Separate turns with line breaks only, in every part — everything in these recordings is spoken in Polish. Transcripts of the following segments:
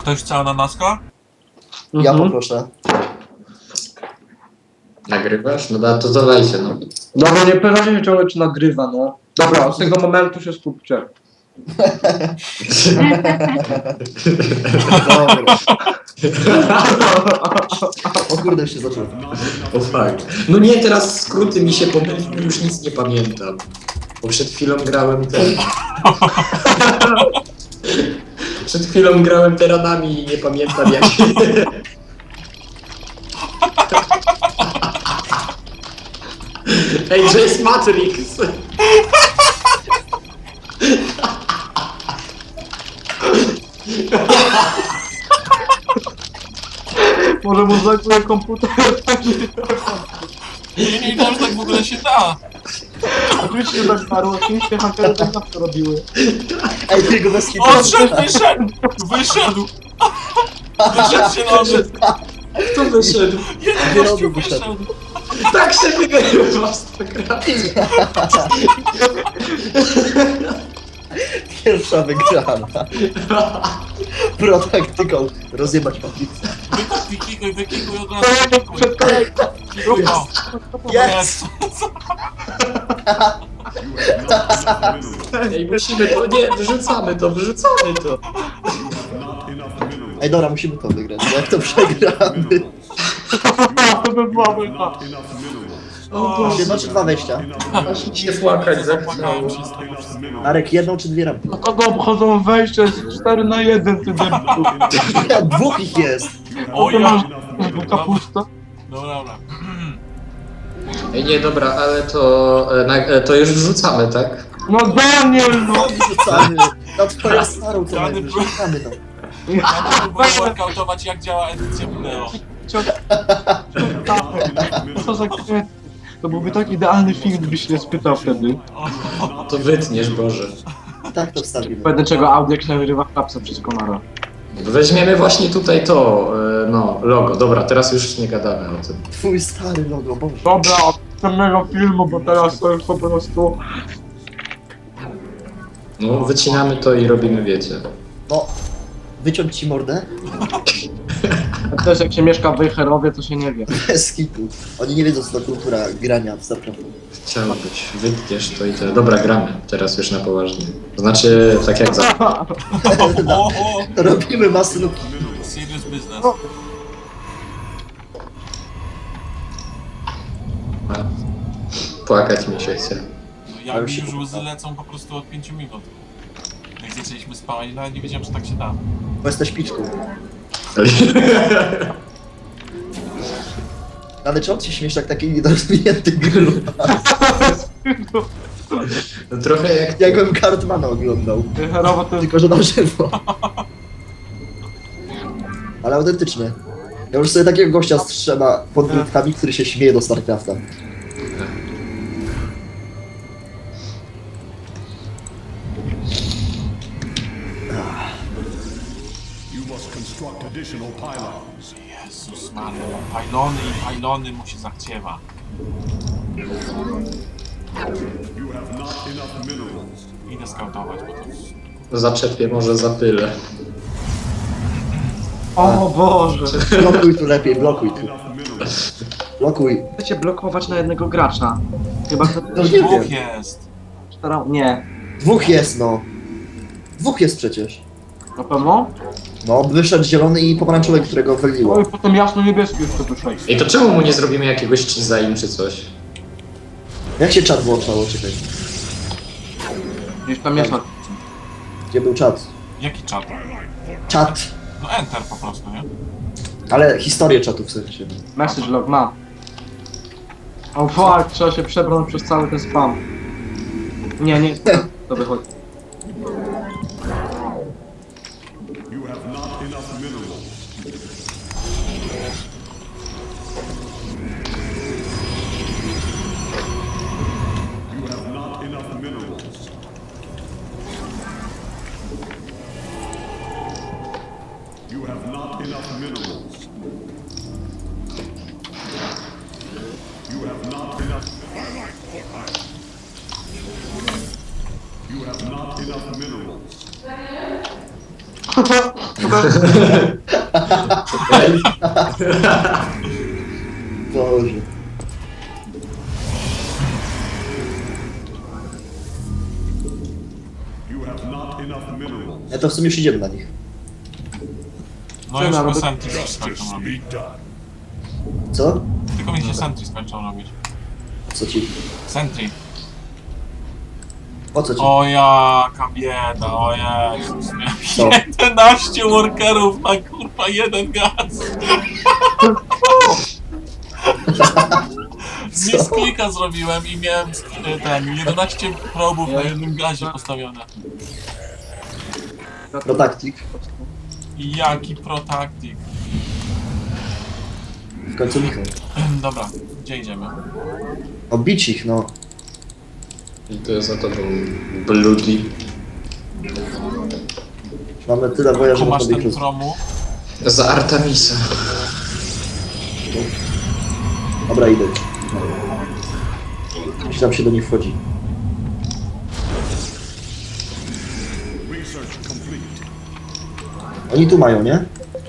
Ktoś chce ananaska?
Ja poproszę.
Nagrywasz? No da, to dawajcie, no.
Dobra, nie pytajcie się ciągle, czy nagrywa, no. Dobra, od tego momentu się skupcie.
Dobra. O kurde, się zaczął.
O fakt. No nie, teraz skróty mi się pomyliły, już nic nie pamiętam. Bo przed chwilą grałem Przed chwilą grałem teranami i nie pamiętam jak... Ej, to jest Matrix!
Może mu zajmuje komputer.
Nie, to już tak w ogóle się da.
Oczywiście tak starło, oczywiście hakery tak zawsze robiły.
Ej, ty go bez hitu.
Odszedł, wyszedł! Wyszedł! Wyszedł się noży!
Kto wyszedł?
Jeden gościu wyszedł!
Tak się wygrywa w Starcraftie.
Pierwsza wygrana. Pro taktyką rozjebać papicę.
Wykikuj od razu, wykikuj.
Przed kolejką.
Wykikuj, o.
Jest!
Ej, musimy to, nie, wyrzucamy to.
Ej, dobra, musimy to wygrać, bo jak to przegramy.
To by była wojna.
O Boże,
Jedno czy dwa wejścia?
aż mi się płakać zachciało.
Zapłakałem się z tego wszystkiego.
Marek, jedną czy dwie rampy?
A kogo obchodzą wejście z 4 na 1, ty debilu.
Dwóch ich jest.
O
Ty
ja!
masz kapusta?
No dobra.
Ej, nie, dobra, ale to już wrzucamy, tak?
No Daniel, no!
Wrzucamy. Na twoją starą co
Dany
najwyżej. Wrzucamy to.
Ja próbuję workoutować jak działa edycja wideo.
Co za kwiat. To byłby tak idealny film, gdybyś nie spytał wtedy.
To wytniesz, Boże.
Tak to wstawimy.
Będę czego audio nagrywa klapsa przez komara.
Weźmiemy właśnie tutaj to, no, logo. Dobra, teraz już nie gadamy o tym.
Twój stary logo, Boże.
Dobra, od następnego filmu, bo teraz to już po prostu...
No, wycinamy to i robimy, wiecie.
No, wyciąć ci mordę?
A też jak się mieszka w Wejherowie, to się nie wie.
Bez kitu. Oni nie wiedzą, co to kultura grania w StarCraft.
Chciało być. Wytniesz to i tyle. Dobra, gramy. Teraz już na poważnie. Znaczy, tak jak za...
O,
Robimy masynówki.
serious business.
Płakać mi się chce.
No, ja mi już łzy lecą po prostu od 5 minut. Jak zaczęliśmy spać, nawet nie wiedziałem, że tak się da.
Bo jesteś piczką. Ale czemu ci śmiesz jak taki niedorozwinięty grylu?
No, trochę jak...
Jakbym Cartmana oglądał.
Wejherowa to jest...
Tylko, że na żywo. Ale autentycznie. Ja już sobie takiego gościa strzema pod brytkami, który się śmieje do StarCrafta.
You must construct additional pylons.
Jezus Maria, pylony mu się zachciewa.
You have not enough minerals.
Idę skautować, bo to jest...
Zaczepię, może zapylę.
O Boże!
Blokuj tu lepiej, blokuj tu.
Enough minerals.
Blokuj.
Chcecie blokować na jednego gracza. Chyba to
No nie wiem.
Dwóch jest.
starał... Nie.
Dwóch jest, no. Dwóch jest przecież.
Na pewno?
No, wyszedł zielony i pomarańczowy, którego
No
wyliło.
i potem jasno-niebieski jeszcze wyszedł.
Ej, to czemu mu nie zrobimy jakiegoś cheese'a czy coś?
Jak się czat włączało? Czekaj.
Gdzieś tam jest na...
Gdzie był czat?
Jaki czat?
Czat.
No enter po prostu, nie?
Ale historię czatu w sensie.
Message log ma. O fuck, trzeba się przebrnąć przez cały ten spam. Nie, to wychodzi.
You have not enough minerals. You have not enough minerals. You have not enough minerals. You have not enough. You have not enough minerals.
Boże.
You have not enough minerals.
Ja to w sumie już idziemy na nich.
No
Co
już
ja
po
robię?
sentry się
Justice
skończą robić.
be done.
Co?
Tylko mi się sentry skończą robić.
Co ci?
Sentry.
O co ci?
O jaka bieda, o Jezus.
Co?
11 workerów na kurwa jeden gaz. Z misklika zrobiłem i miałem ten 11 probów na jednym gazie postawione.
No taktik.
I jaki protaktik.
W końcu Michał.
Dobra, gdzie idziemy?
Obić ich, no.
I to jest za tobą Bloody.
Mamy tyle woja, że
Tu masz
można ich
ten
roz...
promu.
Za Artemisa.
Dobra, idę. Jeśli tam się do nich wchodzi.
Research complete.
Oni tu mają, nie?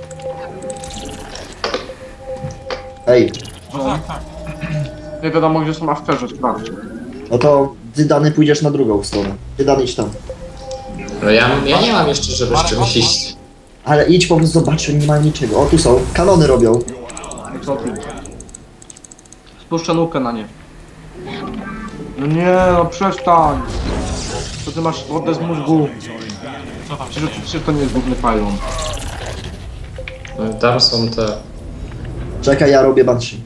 Ej,
No tak, tak.
Nie wiadomo gdzie są afterze, sprawdź.
no to ty Dany pójdziesz na drugą stronę. Ty Dany idź tam.
No ja nie mam jeszcze, żeby z czymś iść.
Ale idź po prostu zobacz, oni nie mają niczego. O, tu są. Kanony robią.
I co ty? Spuszczę nukę na nie. No nie, no przestań! Co ty masz wodę z mózgu?
Co tam się
Przecież,
dzieje?
przecież to nie jest główny pylon.
No i tam są te...
Czekaj, ja robię Banshee.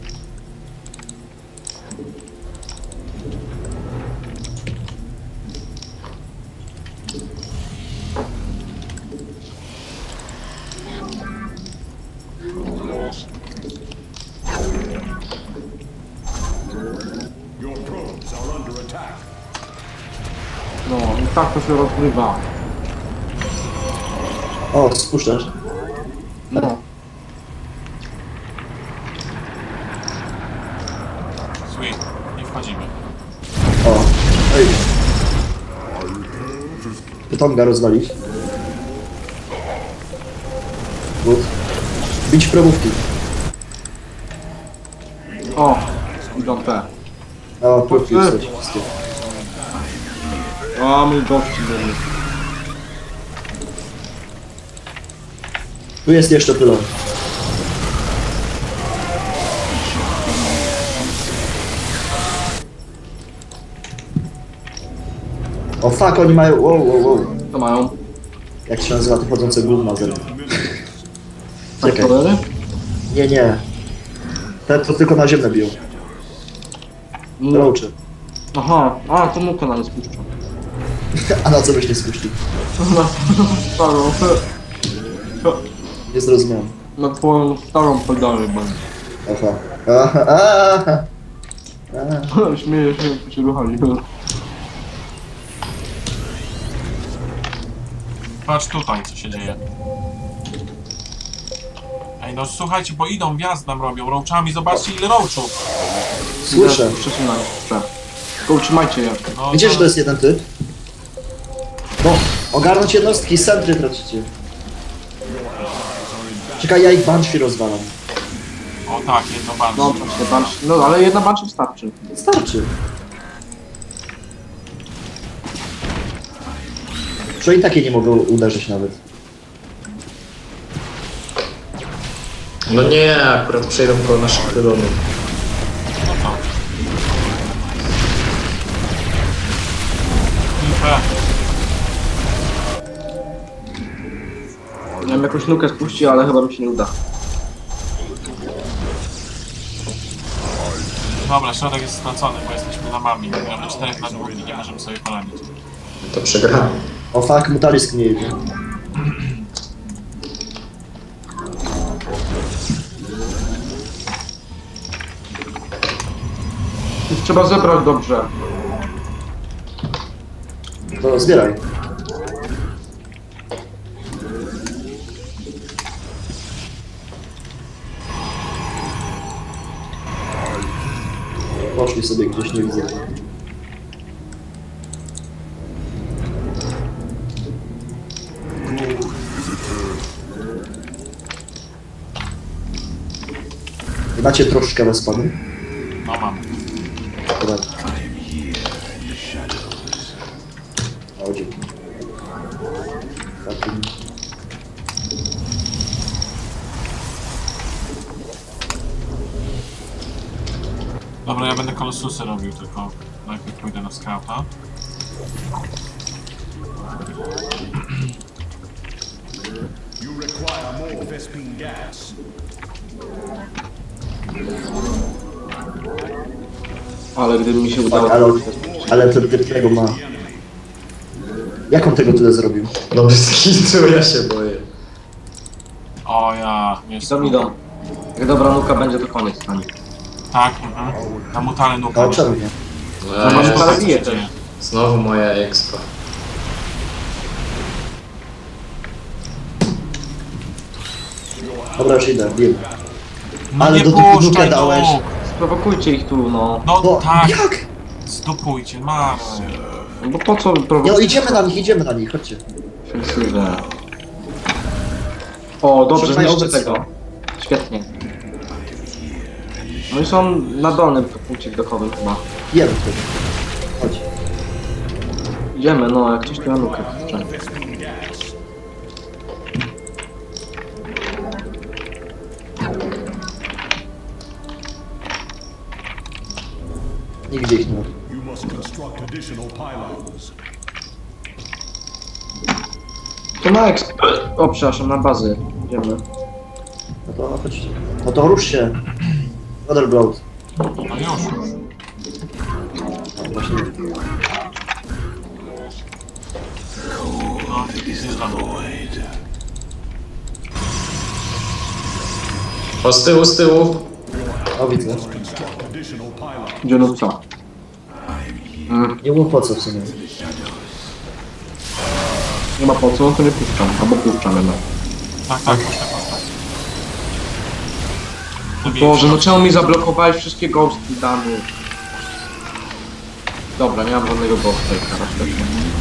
Your probes are under attack.
No i tak to się rozgrywa.
O, spuszczasz.
No.
Sweet, nie wchodzimy.
O, ej. Pytonga rozwalić. Good. Bić probówki.
O, idą te.
O, próbki już są wszystkie.
A mój gości byli.
Tu jest jeszcze pylon. O fuck, oni mają... Wow.
Co mają?
Jak się nazywa to chodzące gówna ze mną? Czekaj.
Aktorery?
Nie. Te to tylko na ziemię biją.
No.
Roaczy.
Aha, a to nukę na nie spuszczę.
A na co byś nie spuścił?
Na starą,
Nie zrozumiałem.
na twoją starą pedalę będę.
Aha.
Śmieję się, jak się ruchali.
Patrz tutaj, co się dzieje. Ej, no słuchajcie, bo idą, wjazd nam robią roachami, zobaczcie ile roachów.
Słyszę.
Przesunaj. Tylko utrzymajcie je.
No,
Widzisz, że to jest jeden typ? No, ogarnąć jednostki, centry tracicie. Czekaj, ja ich Banshee rozwalam.
O tak, jedno
No,
banshee.
właśnie, banshee. No, ale jedna banshee wystarczy.
Starczy. Że i takie nie mogą uderzyć nawet.
No nie, akurat przejdą koło naszych pylonów.
No co? Kilka.
Miałem jakąś nukę spuścić, ale chyba mi się nie uda.
Dobra, środek jest stracony, bo jesteśmy na mami. Gramy 4 na 2 i nie możemy sobie poradzić.
To przegramy.
O fuck, Mutalisk nie jedzie.
Już trzeba zebrać dobrze.
To zbieraj. Poszli sobie gdzieś, nie widzę. Macie troszkę respawnu?
No mam.
Dobra. O, dzięki. Takim...
Dobra, ja będę kolosusy robił, tylko najpierw pójdę na scouta.
You require more Vespene gas.
Ale gdyby mi się udało...
Tak, ale ten typ tego ma... Jak on tego tyle zrobił?
No bez kitu, ja się boję.
O ja, jest.
Idą. Jak dobra nuka będzie, to koniec stanie.
Tak, na mutale nuka.
No czemu nie?
No,
masz
ja-
parę bije też.
Znowu moja expa.
Dobra, już idę, wiem.
No
Ale
nie
do typu
puszczaj
nukę dałeś.
nóg.
Sprowokujcie ich tu, no.
No
No,
tak,
jak?
zdupujcie, Marek.
No bo po co
Nie no,
prowokować?
idziemy na nich, chodźcie.
Ofensywę. O, dobrze,
Trzymaj
zniszczę
obecnie.
tego. Świetnie. No i są na dolnym punkcie widokowym chyba.
Jemy wtedy. Chodź.
Idziemy, no, jak coś tu na nukę. kurczę.
Vespene gas.
Nigdzie ich nie ma.
You must construct additional pylons.
To na exp... O, przepraszam, na bazy. Idziemy.
No to chodźcie. No to rusz się. Motherboard.
No już.
No, właśnie.
No, zjeżdżam.
O, z tyłu.
O, widzę.
Construct additional pylons.
Gdzie no co?
Nie było po co w sumie.
Nie ma po co, to nie puszczam. Albo puszczam jednak.
Tak, tak, puszczaj, puszczaj.
Boże, no czemu mi zablokowałeś wszystkie ghosty damy? Dobra, nie mam żadnego ghosta teraz świetnie.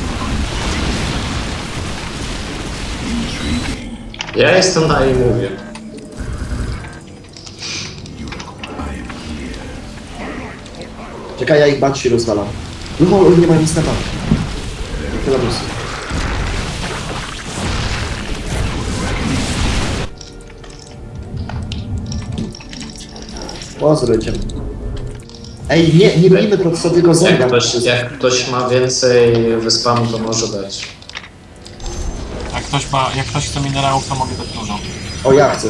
Ja jestem na i mówię.
Czekaj, ja ich banshee rozwalam. No, nie ma nic na bank. Tyle busy. Pozrujcie. Ej, nie robimy to co tylko zęga.
Jak ktoś ma więcej wyspamu, to może dać.
Jak ktoś chce minerałów, to mogę dać dużo.
O, ja chcę.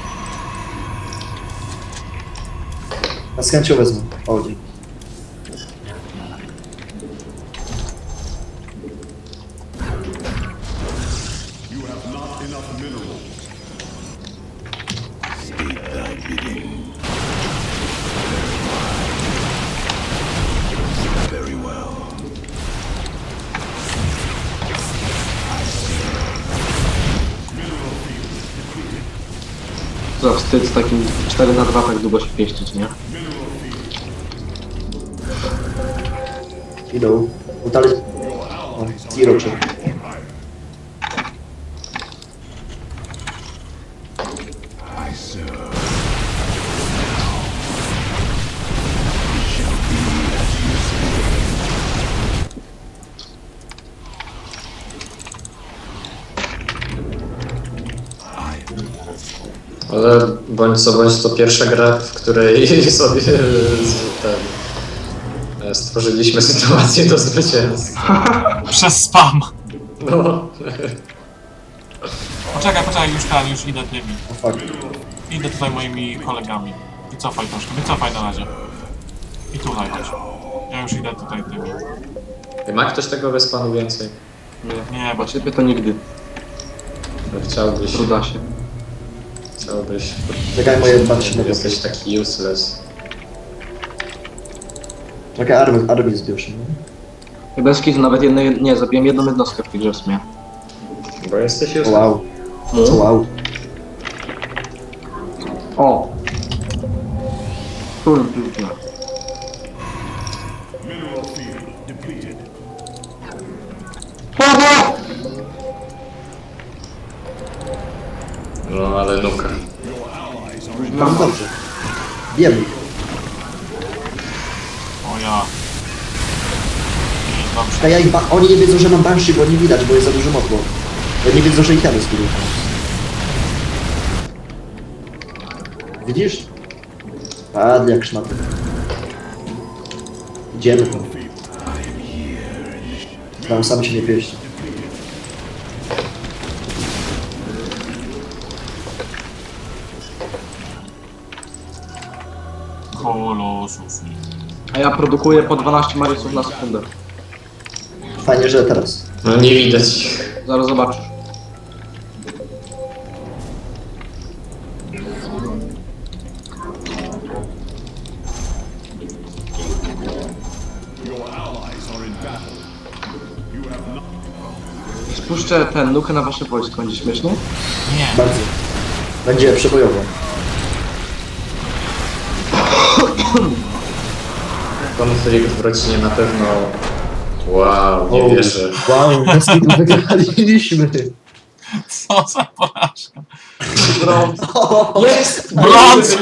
A z chęcią wezmę. O, dzięki.
You have not enough minerals.
Za wstyd z takim 4x2 tak długo się pieścić, nie?
Idą. Utali... O, Tiroczy.
Ale bądź co bądź to pierwsza gra, w której sobie stworzyliśmy sytuację do zwycięstwa.
Przez spam.
No.
Poczekaj, już idę tymi.
O, fuck.
Idę tutaj moimi kolegami. Wycofaj troszkę, wycofaj na razie. I tutaj chodź. Ja już idę tutaj tymi.
Ma ktoś tego wyspanu więcej?
Nie, bo
Bo ciebie to nigdy.
Chciałbyś,
Truda się.
chciałbyś.
Czekaj, moje banshee na
Jesteś taki useless.
Czekaj, armię zbierz. No.
Bez kitu, nawet jednej... Nie, zabiłem jedną jednostkę w tej grze w sumie.
Bo jesteś
O,
useless.
wow. O, wow.
O! Tu piękna.
Mineral field depleted.
No ale nuka.
Your allies are
No dobrze. Wiem.
O ja. I dobrze.
A ja ich oni nie wiedzą, że mam Banshee, bo nie widać, bo jest za dużo motło. Bo nie wiedzą, że ich temy zgubił. Widzisz? Padli jak szmaty. Idziemy tam. Tam sam się nie pieści.
Kolosus.
A ja produkuję po 12 Mariusów na sekundę.
Fajnie, że teraz.
No nie widać ich.
Zaraz zobaczysz.
Your allies are in battle. You have not.
Spuszczę ten nukę na wasze wojsko, będzie śmiesznie?
Nie.
Bardzo. Będzie przebojowo.
Konflikt w rodzinie na pewno... Wow, nie wierzę.
Wow, bez kitu wygraliśmy.
Co za porażka.
Brąz.
Jest!
Brąz!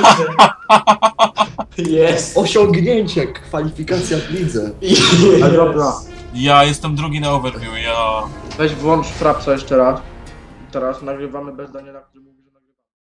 Jest!
Osiągnięcie, kwalifikacja w lidze.
Ale dobra.
Ja jestem drugi na overview, ja...
Weź włącz frapsa jeszcze raz. Teraz nagrywamy bez Daniela, który mówi.